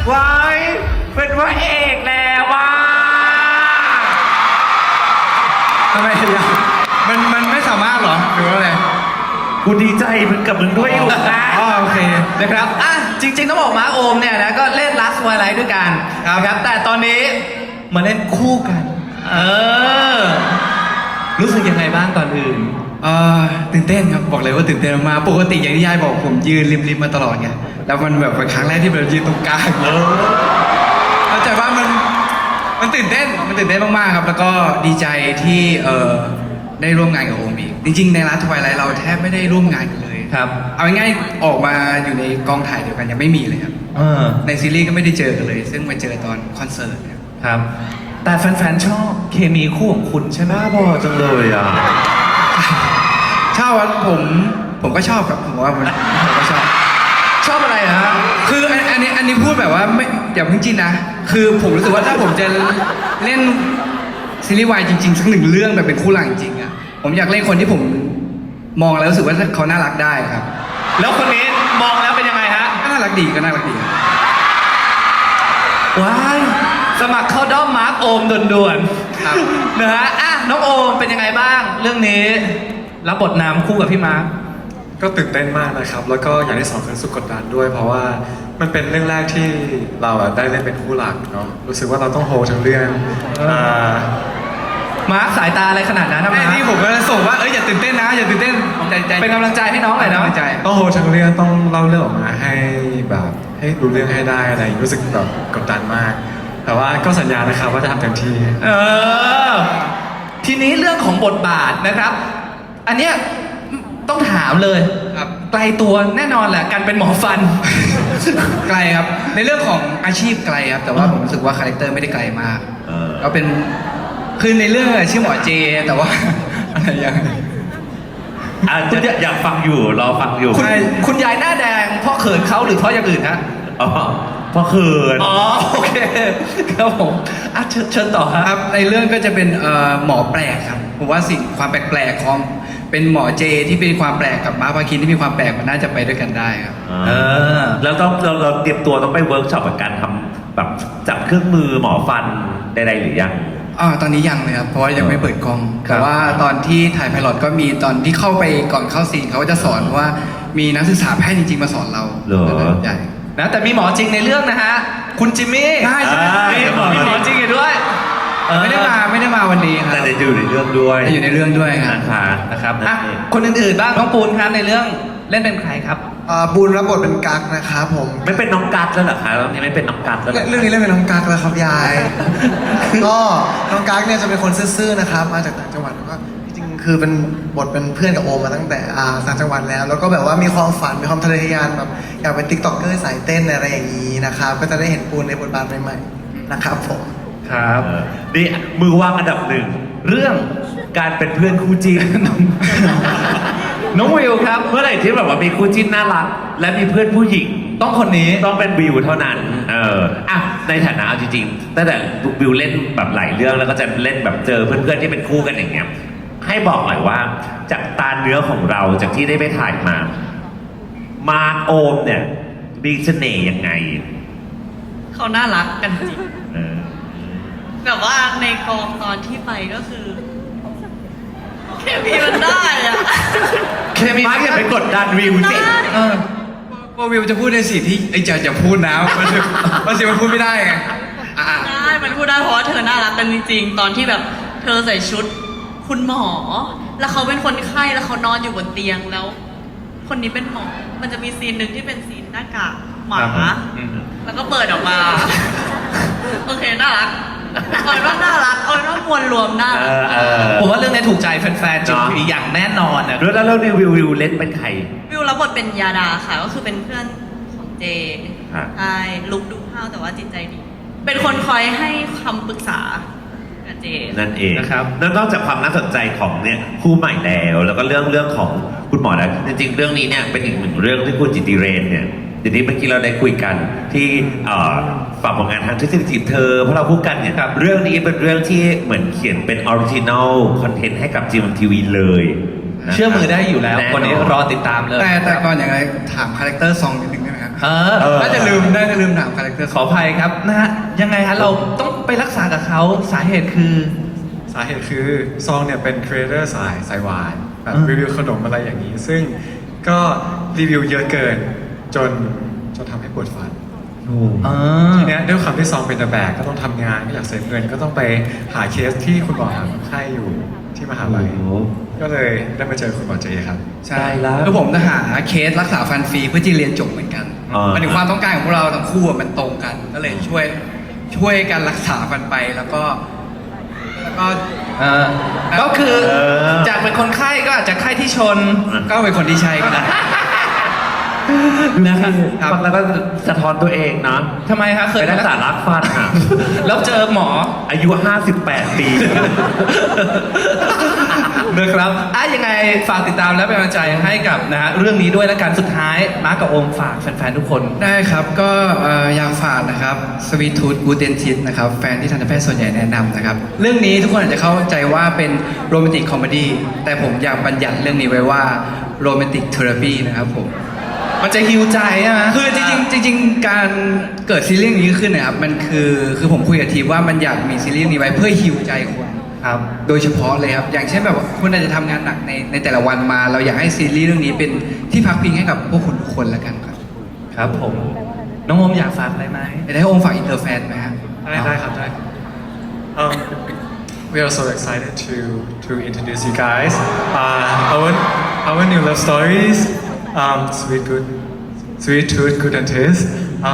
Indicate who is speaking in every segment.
Speaker 1: วายเป็นพระเอกแล้วว่า
Speaker 2: ทำไมยังมันไม่สามารถเหรอหรือว่าอะไร
Speaker 1: กูดีใจมึงกับมึงด้วยอยู่นะ
Speaker 2: อ๋อโอเค
Speaker 3: นะครับจริงๆต้องบอกมาโอมเนี่ยนะก็เล่น Last Twilight ด้วยกันนะครับแต่ตอนนี้มาเล่นคู่กันรู้สึกยังไงบ้างก่อนอื่น
Speaker 2: ตื่นเต้นครับบอกเลยว่าตื่นเต้นมากปกติอย่างที่ยายบอกผมยืนริมมาตลอดไงแล้วมันแบบเป็นครั้งแรกที่เรายืนตรงกลางเข้าใจว่ามันตื่นเต้นมากๆครับแล้วก็ดีใจที่ได้ร่วมงานกับโอมอีกจริงๆในLast Twilightเราแทบไม่ได้ร่วมงานกันเลย
Speaker 3: ครับ
Speaker 2: เอาง่ายๆออกมาอยู่ในกองถ่ายเดียวกันยังไม่มีเลยครับในซีรีส์ก็ไม่ได้เจอกันเลยซึ่งมาเจอตอนคอนเสิร์ต
Speaker 3: ครับแต่แฟนๆชอบเคมีคู่ของคุณใช่ไหม
Speaker 1: บ้าบอจังเลยอ่ะ
Speaker 2: ชอบผมก็ชอบครับผมว่าผมก็ชอบ
Speaker 3: อะไรฮะ
Speaker 2: คืออันนี้พูดแบบว่าไม่อย่าเพิ่งจิ้นนะคือผมรู้สึกว่าถ้าผมจะเล่นซีรีส์วายจริงๆสักหนึ่งเรื่องแบบเป็นคู่หลักจริงๆอ่ะผมอยากเล่นคนที่ผมมองแล้วรู้สึกว่าเขาน่ารักได้ครับ
Speaker 3: แล้วคนนี้มองแล้วเป็นยังไงฮะ
Speaker 2: ก็น่ารักดี
Speaker 3: ว้ายสมัครเข้าด้อมมาร์คโอมด่วนๆนะฮะน้องโอมเป็นยังไงบ้างเรื่องนี้รับบทนำคู่กับพี่มาร์ค
Speaker 4: ก็ตื่นเต้นมากนะครับแล้วก็อย่างที่สองคือรู้สึกกดดันด้วยเพราะว่ามันเป็นเรื่องแรกที่เราได้เล่นเป็นคู่หลักเนาะรู้สึกว่าเราต้องโฮทั้งเรื่อง
Speaker 3: มาร์คสายตาอะไรขนาดนั้นทำไม
Speaker 2: นี่ผมก็ส่งว่าอย่าตื่นเต้นนะอย่าตื่นเต้นใจ
Speaker 3: เป็นกำลังใจให้น้องหน่อยนะ
Speaker 4: ต้องโฮทั้งเรื่องต้องเล่าเรื่องออกมาให้แบบให้รู้เรื่องให้ได้อะไรรู้สึกแบบกดดันมากแต่ว่าก็สัญญานะครับว่าจะทำเต็มที่
Speaker 3: ทีนี้เรื่องของบทบาทนะครับอันเนี้ยต้องถามเลย
Speaker 2: ครับ
Speaker 3: ไกลตัวแน่นอนแหละการเป็นหมอฟัน
Speaker 2: ไกลครับในเรื่องของอาชีพไกลครับแต่ว่าผมรู้สึกว่าคาแรคเตอร์ไม่ได้ไกลมากเราเป็นคือในเรื่องชื่อหมอเจแต่ว่าอะไรอย่าง
Speaker 1: อยากฟังอยู่รอฟังอยู่
Speaker 3: คุณยายหน้าแดงเพราะเขินเขาหรือเพราะอย่างอื่นฮะ
Speaker 1: เพราะเขิน
Speaker 3: โอเคครับผมเชิญต่อ
Speaker 2: ครับในเรื่องก็จะเป็นหมอแปลกครับผมว่าสิ่งความแปลกๆของเป็นหมอเจที่เป็นความแปลกกับม้าพาคินที่มีความแปลกมันน่าจะไปด้วยกันได้ครับ
Speaker 1: แล้วเราเตรียมตัวต้องไปเวิร์กช็อปกับการทำแบบจับเครื่องมือหมอฟันใดๆหรือยัง
Speaker 2: ตอนนี้ยังเลยครับเพราะว่ายังไม่เปิดกล้องแต่ว่าตอนที่ถ่ายไพลอตก็มีตอนที่เข้าไปก่อนเข้าซีนเขาจะสอนว่ามีนักศึกษาแพทย์จริงๆมาสอนเราใหญ่
Speaker 3: นะแต่มีหมอจริงในเรื่องนะฮะคุณจิมมี่
Speaker 2: ใช่
Speaker 3: มีหมอจริงอยู่ด้วย
Speaker 2: ไม่ได้มาวันนี้ครับ
Speaker 1: แต่อยู่ในเรื่องด้วย
Speaker 2: อยู่ในเรื่องด้วยครับ
Speaker 3: นะครับคนอื่นๆบ้างน้องปูนครับในเรื่องเล่นเป็นใครครับ
Speaker 5: ปูนรับบทเป็นกั๊กนะครับผม
Speaker 1: ไม่เป็นน้องกั๊กแล้วเหรอคะเรื่องนี้ไม่เป็นน้องกั๊กแล้ว
Speaker 5: เรื่องนี้เล่นเป็นน้องกั๊กแล้วครับยายก็น้องกั๊กเนี่ยจะเป็นคนซื่อๆนะครับมาจากต่างจังหวัดแล้วก็จริงๆคือเป็นบทเป็นเพื่อนกับโอมมาตั้งแต่ต่างจังหวัดแล้วก็แบบว่ามีความฝันมีความทะเยอทะยานแบบอยากเป็นติ๊กต็อกเกอร์สายเต้นอะไรอย่างนี้นะครับก็จะได้เห็นปูนในบทบาทใหม่ๆนะครับผม
Speaker 1: ครับนี่มือว่างอันดับหนึ่งเรื่องการเป็นเพื่อนคู่จิ้น
Speaker 3: น้องวิวครับ
Speaker 1: เมื่อไหร่ที่แบบว่ามีคู่จิ้นน่ารักและมีเพื่อนผู้หญิง
Speaker 3: ต้องคนนี้
Speaker 1: ต้องเป็นวิวเท่านั้นในฐานะเอาจริงๆตั้งแต่วิวเล่นแบบหลายเรื่องแล้วก็จะเล่นแบบเจอเพื่อนๆที่เป็นคู่กันอย่างเงี้ยให้บอกหน่อยว่าจากตาเนื้อของเราจากที่ได้ไปถ่ายมาโอมเนี่ยมีเสน่ห์ยังไง
Speaker 6: เขาน่ารักกันจริงแบบว่าในกองตอนที่ไปก็คือเคมีมันได้อะ
Speaker 3: เคมีมาอย่าไปกดดันวิวสิ
Speaker 2: ว่าวิวจะพูดในสิ่งที่ไอ้จะพูดนะมันสิมันพูดไม่ได้ไง
Speaker 6: ได้มันพูดได้เพราะว่าเธอน่ารักกันจริงๆตอนที่แบบเธอใส่ชุดคุณหมอแล้วเขาเป็นคนไข้แล้วเขานอนอยู่บนเตียงแล้วคนนี้เป็นหมอมันจะมีซีนหนึ่งที่เป็นซีนหน้ากากหมาแล้วก็เปิดออกมาโอเคน่ารักเอาเป็นว่าน่ารักเอาเป็นว่ามวลรวมน่ารัก
Speaker 3: ผมว่าเรื่องนี้ถูกใจแฟนๆจริงๆอย่างแน่นอนนะ
Speaker 1: แล้วเรื่องนี้วิวเล่นเป็นใคร
Speaker 6: วิวรับบทเป็นยาดาค่ะก็คือเป็นเพื่อนของเจใช่ลุกดูห้าวแต่ว่าจิตใจดีเป็นคนคอยให้คำปรึกษากับเจ
Speaker 1: นั่นเองนะครับนอกจากความน่าสนใจของเนี่ยคู่ใหม่แล้วก็เรื่องของคุณหมอแล้วจริงๆเรื่องนี้เนี่ยเป็นอีกหนึ่งเรื่องที่คุณจิตติเรนเนี่ยเดี๋ยวนี้เมื่อกี้เราได้คุยกันที่ฝากผลงานทางทฤษฎีจีบเธอเพราะเราพูดกันเนี่ยเรื่องนี้เป็นเรื่องที่เหมือนเขียนเป็นออริจินอลคอนเทนต์ให้กับGMMTVเลย
Speaker 3: เชื่อมือได้อยู่แล้ววันนี้รอติดตามเลย
Speaker 2: แต่ก่อนอย่างไรถามคาแรคเตอร์ซองนิดนึงได้ไหมครับน่าจะลืมถามคาแรคเตอร์
Speaker 3: ขออภัยครับนะฮะยังไงฮะเราต้องไปรักษากับเขาสาเหตุคือ
Speaker 4: สาเหตุคือซองเนี่ยเป็นครีเอเตอร์สายหวานแบบ
Speaker 3: อ่า
Speaker 4: รีวิวขนมอะไรอย่างนี้ ซึ่งก็รีวิวเยอะเกินจนทำให้ปวดฟัน
Speaker 3: อ่า
Speaker 4: ทีเนี้ยด้วยความที่ซองเป็นตะแบกก็ต้องทำงานก็อยากเซฟเงินก็ต้องไปหาเคสที่คุณหมอหาคนไข้อยู่ที่มหาลัย
Speaker 1: โอ้โห
Speaker 4: ก็เลยได้มาเจอคุณหมอเจครับ
Speaker 2: ใช่
Speaker 1: ได้แล้ว
Speaker 2: คือผมจะหาเคสรักษาฟันฟรีเพื่อที่เรียนจบเหมือนกัน
Speaker 1: อ่ามั
Speaker 2: มันถึงความต้องการของพวกเราทั้งคู่อะมันตรงกัน ก็เลยช่วยกันรักษาฟันไปแล้วก็
Speaker 3: ก็คือ
Speaker 1: เออ
Speaker 3: จากเป็นคนไข้ก็อาจจะไข้ที่ชน
Speaker 2: ก็เป็นคนที่ใช่ก็ได้
Speaker 3: นะครับ
Speaker 1: ฟังแล้วก็สะท้อนตัวเองนะ
Speaker 3: ทำไมคะเค
Speaker 1: ไป
Speaker 3: ย
Speaker 1: รักษารักฟันอ่ะ
Speaker 3: แล้วเจอหมอ
Speaker 1: อายุ 58 ปี
Speaker 3: นะครับยังไงฝากติดตามและเป็นกำลังใจให้กับนะฮะเรื่องนี้ด้วยและกันสุดท้ายมาร์คกับโอมฝากแฟนๆทุกคน
Speaker 2: ได้ครับก็อยากฝากนะครับสวีทูดกูเดนทิสนะครับแฟนที่ทันตแพทย์ส่วนใหญ่แนะนำนะครับเรื่องนี้ทุกคนอาจจะเข้าใจว่าเป็นโรแมนติกคอมเมดี้แต่ผมอยากบัญญัติเรื่องนี้ไว้ว่าโรแมนติกเทอราปีนะครับผม
Speaker 3: มันจะฮิวใจใช่ไหม
Speaker 2: คือจริงๆการเกิดซีรีส์นี้ขึ้นนะครับมันคือผมคุยกับทีมว่ามันอยากมีซีรีส์นี้ไว้เพื่อฮิวใจคน
Speaker 3: ครับ
Speaker 2: โดยเฉพาะเลยครับอย่างเช่นแบบว่าคุณอาจจะทำงานหนักในแต่ละวันมา เราอยากให้ซีรีส์เรื่องนี้เป็นที่พักพิงให้กับพวกคุณทุกคนแล้วกันครับ
Speaker 3: ครับผม น้องโอมอยากฝากอะไรไหม
Speaker 2: จะได้ให้องค์ฝากอินเตอร์แฟนไหมครับ
Speaker 4: ได้ครับได้ We are so excited to introduce you guys our new love stories Sweet Tooth Good and Taste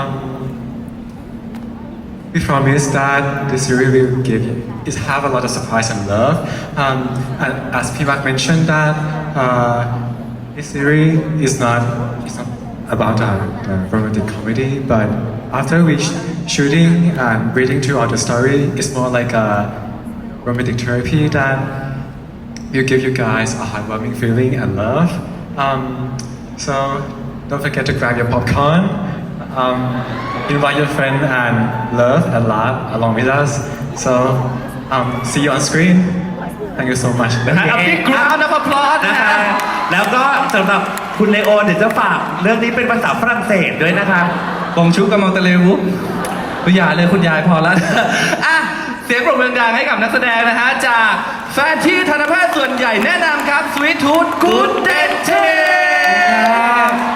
Speaker 4: we promise that this series will give you is have a lot of surprise and love and as Pimak mentioned that this series is not about a romantic comedy but after we shooting and reading through all the story it's more like a romantic therapy that will give you guys a heartwarming feeling and love. So don't forget to grab your popcorn, invite your friend and love and laugh along with us. So see you on screen. Thank you so much.
Speaker 3: นะฮะเอาพี่กราวน์นะพลอด
Speaker 1: นะ
Speaker 3: นะคะ คะ
Speaker 1: แล้วก็สำหรับคุณเลโอเดี๋ยวจะฝากเรื่องนี้เป็นภาษาฝรั่งเศสด้วยนะคะ
Speaker 3: กงชุกกับมองตะเลวุคุณยายเลยคุณยายพอแล้ว เสียงปรบมือดังๆให้กับนักแสดงนะฮะ จากแฟนที่ทันตแพทย์ส่วนใหญ่แนะนำครับ Sweet Tooth Good Dentist